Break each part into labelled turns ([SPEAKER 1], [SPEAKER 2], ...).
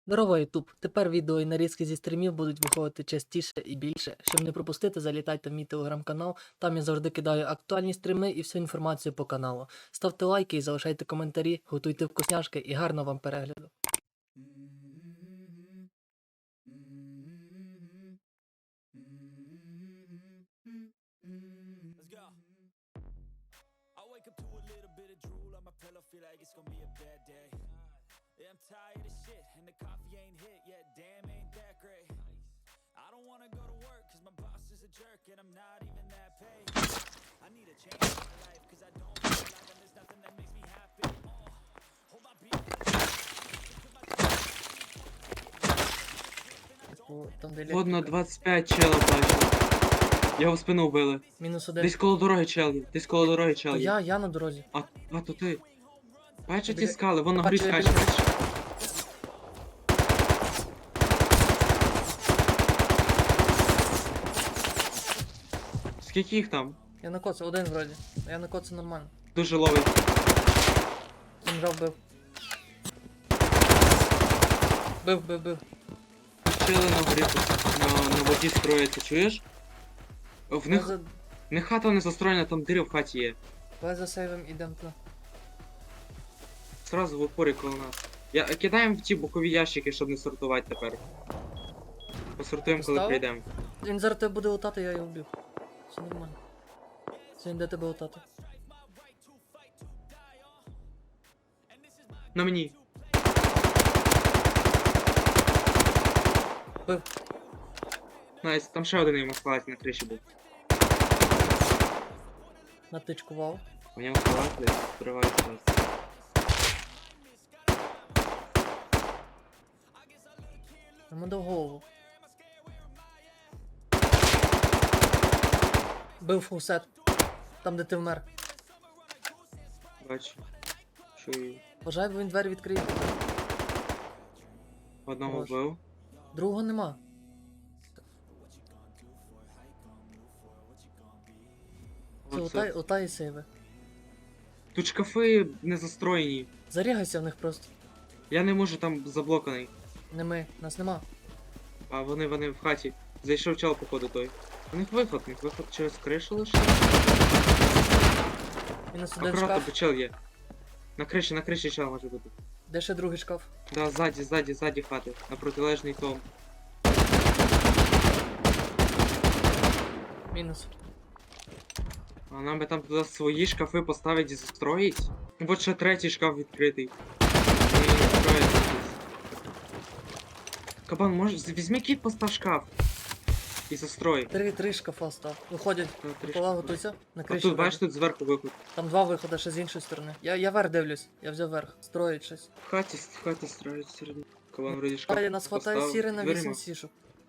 [SPEAKER 1] Здорово, Ютуб! Тепер відео і нарізки зі стрімів будуть виходити частіше і більше. Щоб не пропустити, залітайте в мій телеграм-канал, там я завжди кидаю актуальні стріми і всю інформацію по каналу. Ставте лайки і залишайте коментарі, готуйте вкусняшки і гарного вам перегляду.
[SPEAKER 2] Let's go. I wake up to a little bit of drool on my pillow, feel like it's gonna be a bad day. Yeah, I'm tired of shit, and the coffee ain't hit yet, damn, ain't that great. I don't wanna go to work, cause my boss is a jerk, and I'm not even that paid. I need a change in my life, cause I don't feel like there's nothing that makes me happy. Hold my beat.
[SPEAKER 3] Водно 25 чела бачу. Його в спину вбили.
[SPEAKER 1] Мінус один.
[SPEAKER 3] Десь коло дороги чел є. Десь коло дороги чел є.
[SPEAKER 1] Я на дорозі.
[SPEAKER 3] А то ти. Бачиш ті
[SPEAKER 1] Біля-
[SPEAKER 3] скали, вон на горі
[SPEAKER 1] Бачу, я
[SPEAKER 3] скаче.
[SPEAKER 1] біля-
[SPEAKER 3] Скільки їх там?
[SPEAKER 1] Я на коце, один вроді. Я на коце нормально.
[SPEAKER 3] Дуже ловить.
[SPEAKER 1] Інжав бив. Бив.
[SPEAKER 3] Чели на горі тут, на воді строяться, чуєш? В них, в них хата не застроєна, там дири в хаті є.
[SPEAKER 1] Давай за сейвом ідем туди.
[SPEAKER 3] Сразу в упорі коло нас. Кидаємо в ті бокові ящики, щоб не сортувати тепер. Посортуємо, коли
[SPEAKER 1] Поставив?
[SPEAKER 3] прийдемо.
[SPEAKER 1] Він зараз тебе буде лутати, я його вбив. Все нормально. Це він де тебе лутати.
[SPEAKER 3] На мені.
[SPEAKER 1] Бив.
[SPEAKER 3] Найс, там ще один йому схватить на криші був.
[SPEAKER 1] Натичкував.
[SPEAKER 3] У нього халат, відкриває зараз.
[SPEAKER 1] Йому дав голову. Бив фулсет. Там, де ти вмер.
[SPEAKER 3] Бачу. Чую.
[SPEAKER 1] Бажаю, бо він двері відкриє.
[SPEAKER 3] Одного
[SPEAKER 1] Хорош.
[SPEAKER 3] вбив.
[SPEAKER 1] Другого нема. Це
[SPEAKER 3] Оце.
[SPEAKER 1] лутай і сейви.
[SPEAKER 3] Тут шкафи не застроєні.
[SPEAKER 1] Зарягайся в них просто.
[SPEAKER 3] Я не можу, там заблоканий.
[SPEAKER 1] Не ми, нас нема.
[SPEAKER 3] А вони в хаті. Зайшов чел, походу, той. У них виход через кришу лише.
[SPEAKER 1] Мінус один
[SPEAKER 3] Акуратно,
[SPEAKER 1] шкаф.
[SPEAKER 3] бо чел є. На криші чел може бути.
[SPEAKER 1] Де ще другий шкаф?
[SPEAKER 3] Да, ззаді хати. На протилежний том.
[SPEAKER 1] Мінус.
[SPEAKER 3] А нам би там туди свої шкафи поставити і застроїть. Вот ще третій шкаф відкритий. І не строїться щось. Кабан, може, візьми кіт, постав шкаф. І застрой.
[SPEAKER 1] Три шкафа став. Виходять.
[SPEAKER 3] Та, три
[SPEAKER 1] Пола
[SPEAKER 3] шкафи.
[SPEAKER 1] готуйся. На
[SPEAKER 3] А
[SPEAKER 1] криші.
[SPEAKER 3] тут, бачиш,
[SPEAKER 1] виходить.
[SPEAKER 3] тут зверху виход.
[SPEAKER 1] Там два виходи ще з іншої сторони. Я вверх дивлюсь. Я взяв верх. Строїть щось.
[SPEAKER 3] В хаті строїть середньо. Кабан вроді шкаф.
[SPEAKER 1] Далі нас хватає
[SPEAKER 3] поставив.
[SPEAKER 1] сіри на
[SPEAKER 3] Дверима.
[SPEAKER 1] 8 сішок.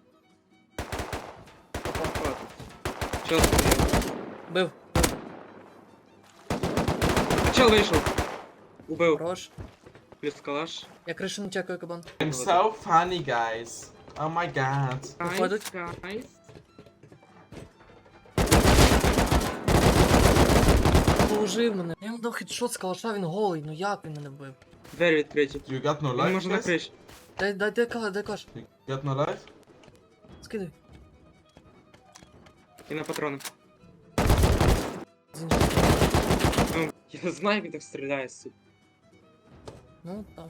[SPEAKER 3] Хватить. Чел стояв.
[SPEAKER 1] Бив.
[SPEAKER 3] Чел вийшов. Убив.
[SPEAKER 1] Хорош.
[SPEAKER 3] Плюс калаш.
[SPEAKER 1] Я кришу не чекаю, кабан.
[SPEAKER 4] I'm so funny, guys. Oh my god.
[SPEAKER 1] Виходить.
[SPEAKER 3] Найс.
[SPEAKER 1] Положив мене. Я йому дав хедшот з калаша, він голий. Ну як він мене вбив?
[SPEAKER 3] Двері відкриті.
[SPEAKER 4] You got no
[SPEAKER 3] Він
[SPEAKER 4] life,
[SPEAKER 3] може на
[SPEAKER 4] guys?
[SPEAKER 3] криші.
[SPEAKER 1] Дай калаш.
[SPEAKER 4] You got no life?
[SPEAKER 1] Скидай.
[SPEAKER 3] І на патрони.
[SPEAKER 1] З іншої сторони.
[SPEAKER 3] Ну, я знаю, як так стріляє, сука.
[SPEAKER 1] Ну так.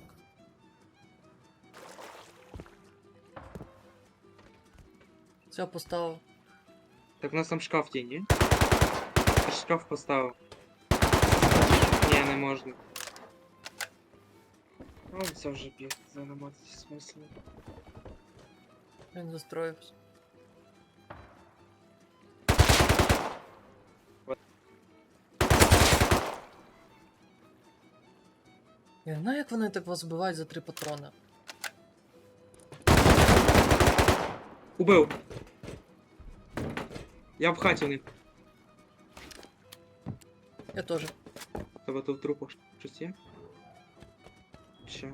[SPEAKER 1] Все, поставив.
[SPEAKER 3] Так у нас там шкаф є, ні? Я ж шкаф поставив. Ні, не можна. Ну, це вже біг, займатися смислом.
[SPEAKER 1] Він застроївся. Я не знаю, як вони так вас вбивають за 3 патрони.
[SPEAKER 3] Убив! Я в хаті в них.
[SPEAKER 1] Я теж.
[SPEAKER 3] Тебе тут в трупах щось є? Що?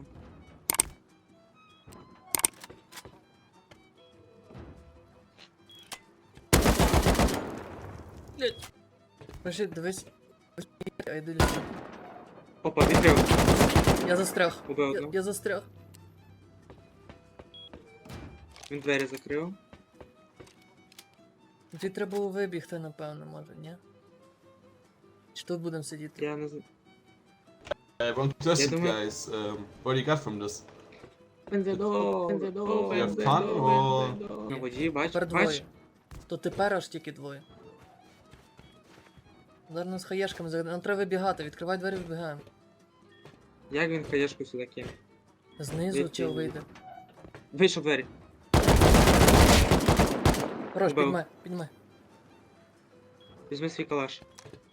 [SPEAKER 1] Блять. Пиши, дивись. А йди лісу.
[SPEAKER 3] Опа, відкрив.
[SPEAKER 1] Я застряг.
[SPEAKER 3] Убив одного.
[SPEAKER 1] Я застряг.
[SPEAKER 3] Він двері закрив.
[SPEAKER 1] Тобі треба було вибігти, напевно, може, ні? Чи тут будемо сидіти?
[SPEAKER 3] Я не знаю.
[SPEAKER 4] I want to test
[SPEAKER 3] Я
[SPEAKER 4] it,
[SPEAKER 3] думаю-
[SPEAKER 4] guys. What do you got from this?
[SPEAKER 3] Бензидол,
[SPEAKER 4] You have fun or...
[SPEAKER 3] На воді, бач,
[SPEAKER 1] Тепер
[SPEAKER 3] бач.
[SPEAKER 1] двоє. То тепер аж тільки двоє. Зараз нас хаєшками загадаємо. Нам треба вибігати, відкривай двері, вибігаємо.
[SPEAKER 3] Як він хаєшку сюди кине?
[SPEAKER 1] Знизу
[SPEAKER 3] Звідки
[SPEAKER 1] чи
[SPEAKER 3] він?
[SPEAKER 1] вийде.
[SPEAKER 3] Вийшов двері.
[SPEAKER 1] Хорош,
[SPEAKER 3] Вбив.
[SPEAKER 1] піднімай, піднімай.
[SPEAKER 3] Візьми свій калаш.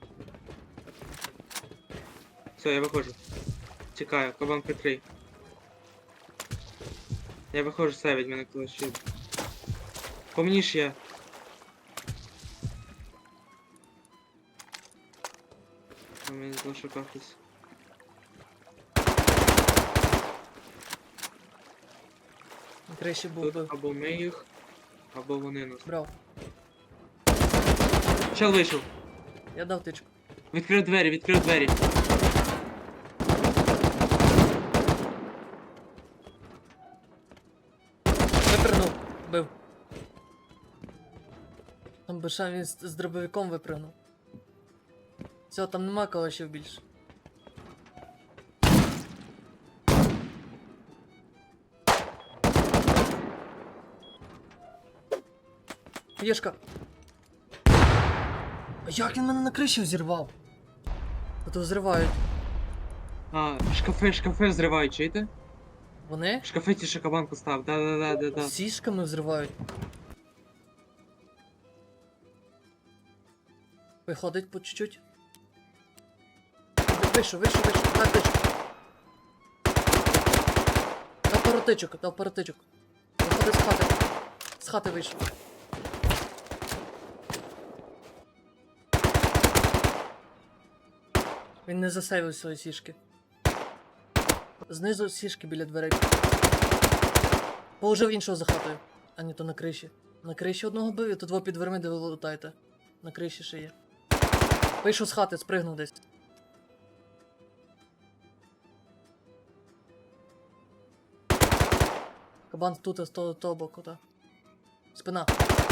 [SPEAKER 3] Все, я виходжу. Чекаю, кабан прикрий. Я виходжу, все від мене калаші. По мені ж я. А мені залишив хтось.
[SPEAKER 1] На криші був
[SPEAKER 3] Тут
[SPEAKER 1] бив.
[SPEAKER 3] або ми їх, або вони нас.
[SPEAKER 1] Брав.
[SPEAKER 3] Чел вийшов.
[SPEAKER 1] Я дав тичку.
[SPEAKER 3] Відкрив двері, відкрив двері.
[SPEAKER 1] Випрыгнув. Бив. Там Беша він з дробовиком випрыгнув. Все, там нема калашів більше. Єшка. А як він мене на криші взірвав? А то взривають.
[SPEAKER 3] А, шкафи взривають, чуєте?
[SPEAKER 1] Вони?
[SPEAKER 3] В шкафи ті ще кабан постав, да.
[SPEAKER 1] Сішками взривають. Виходить по чуть-чуть. Вийшов, дай тичку. Дав пару тичок. Виходить з хати. З хати вийшов. Він не засейвив свої сішки. Знизу сішки біля дверей. Положив іншого за хатою. А ні, то на криші. На криші одного бив, і тут во під дверми, де ви лутаєте. На криші ще є. Вийшов з хати, спригнув десь. Кабан тут, з того боку, так. Спина.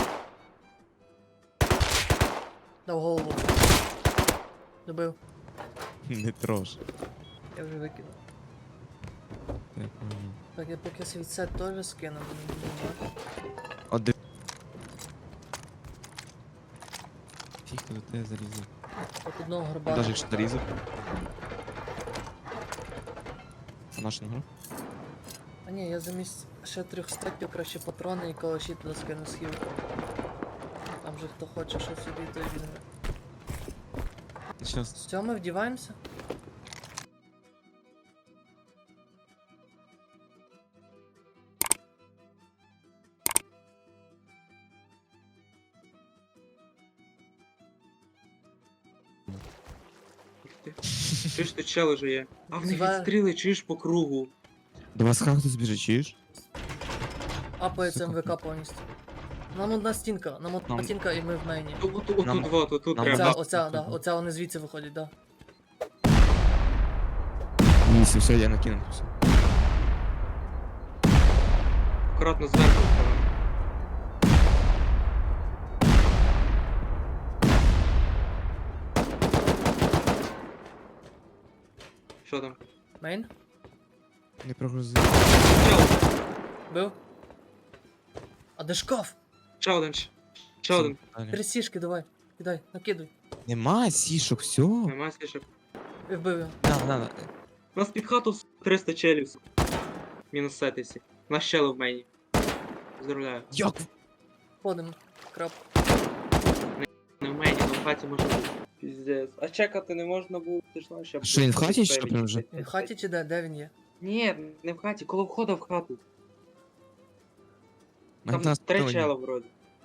[SPEAKER 1] Дав голову. Добив.
[SPEAKER 5] Не трош.
[SPEAKER 1] Я вже викинув.
[SPEAKER 5] Я понял.
[SPEAKER 1] Так, я поки світцет теж скину, бо не буду.
[SPEAKER 5] Один. Фіг до тебе зарізав.
[SPEAKER 1] От одного горбана.
[SPEAKER 5] Навіть якщо зарізав. А наш не грав?
[SPEAKER 1] А ні, я замість ще 3 стеків краще патрони і калаші туди скину схилку. Там же хто хоче, що собі, то й візьме.
[SPEAKER 5] Щас.
[SPEAKER 1] Все, ми вдіваємося?
[SPEAKER 3] Чуєш, тут чел уже є. А в них
[SPEAKER 1] Два-
[SPEAKER 3] відстріли, чуєш по кругу.
[SPEAKER 5] До вас как хтось біжить, чуєш?
[SPEAKER 1] Апається
[SPEAKER 5] Сука,
[SPEAKER 1] МВК повністю. Нам одна стінка, нам одна
[SPEAKER 5] Нам-
[SPEAKER 1] стінка і ми в мейні.
[SPEAKER 3] Отут
[SPEAKER 5] Нам-
[SPEAKER 3] вот, отут
[SPEAKER 5] нам
[SPEAKER 3] треба.
[SPEAKER 1] Оця,
[SPEAKER 5] да.
[SPEAKER 1] оця, да, оця вони звідси виходять, да.
[SPEAKER 5] Ні, все, я накинув. Все.
[SPEAKER 3] Акуратно зверху. Що там?
[SPEAKER 1] Мейн?
[SPEAKER 5] Не прогрузив.
[SPEAKER 3] Чел!
[SPEAKER 1] Бив? А де шкаф?
[SPEAKER 3] Ще один. Ще один.
[SPEAKER 5] Далі.
[SPEAKER 1] 3 сішки давай. Кидай, накидуй.
[SPEAKER 5] Нема сішок, все.
[SPEAKER 3] Нема слішок.
[SPEAKER 1] І вбив його.
[SPEAKER 5] На.
[SPEAKER 3] У нас під хату 300 челів. Мінус сетисі. Наш щели в мейні. Поздравляю.
[SPEAKER 5] Як?
[SPEAKER 1] Ходимо. Крап.
[SPEAKER 3] Не в мейні, але в хаті може бути. Піздець. А чекати не можна було, ти ж знаєш, я...
[SPEAKER 5] Що, він в хаті чи що прям вже?
[SPEAKER 1] Він в хаті чи де? Де він є?
[SPEAKER 3] Ні, не в хаті, коло входу в хату.
[SPEAKER 5] Мене
[SPEAKER 3] Там
[SPEAKER 5] нас
[SPEAKER 3] 3
[SPEAKER 5] питали.
[SPEAKER 3] чела вроді.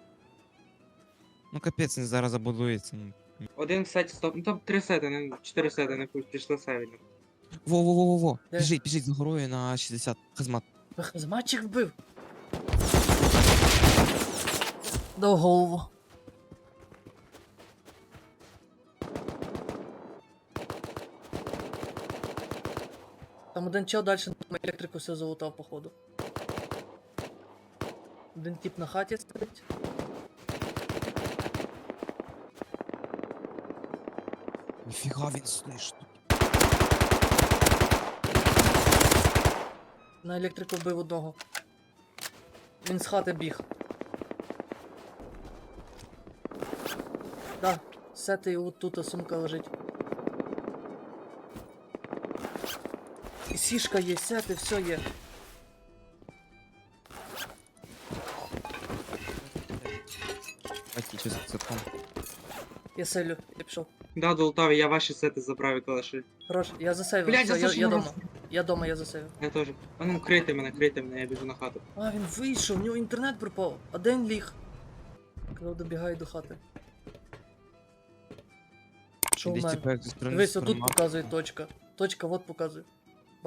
[SPEAKER 5] Ну капець, він зараз забудується. Ну.
[SPEAKER 3] Один в сеті стоп. Ну там 3 сети, не 4 сети, не пішли севідно.
[SPEAKER 5] Во.
[SPEAKER 1] Де?
[SPEAKER 5] Біжить за горою на 60. Хазмат.
[SPEAKER 1] Зматчик вбив. Дав голову. Там один чел далі на електрику все залутав, походу. Один тип на хаті сидить.
[SPEAKER 5] Ніфіга він слиш.
[SPEAKER 1] На електрику вбив одного. Він з хати біг. Да, сети от тут сумка лежить. І сішка є, сети, все є.
[SPEAKER 5] Бачите, чи це там.
[SPEAKER 1] Я селю, я пішов.
[SPEAKER 3] Да, долутав, я ваші сети забрав і калаши.
[SPEAKER 1] Хорош, я засейвив,
[SPEAKER 3] Блядь,
[SPEAKER 1] все,
[SPEAKER 3] я
[SPEAKER 1] я дома.
[SPEAKER 3] зажмурився.
[SPEAKER 1] Я дома, я засейвив.
[SPEAKER 3] Я теж. А ну, крийте мене, я біжу на хату.
[SPEAKER 1] А, він вийшов, в нього інтернет пропав. А де він ліг? Коли добігає до хати. Що в
[SPEAKER 5] Десь
[SPEAKER 1] мене?
[SPEAKER 5] типа як зі сторони
[SPEAKER 1] Дивись, отут
[SPEAKER 5] супермаркету.
[SPEAKER 1] показує точка. Точка, от показує.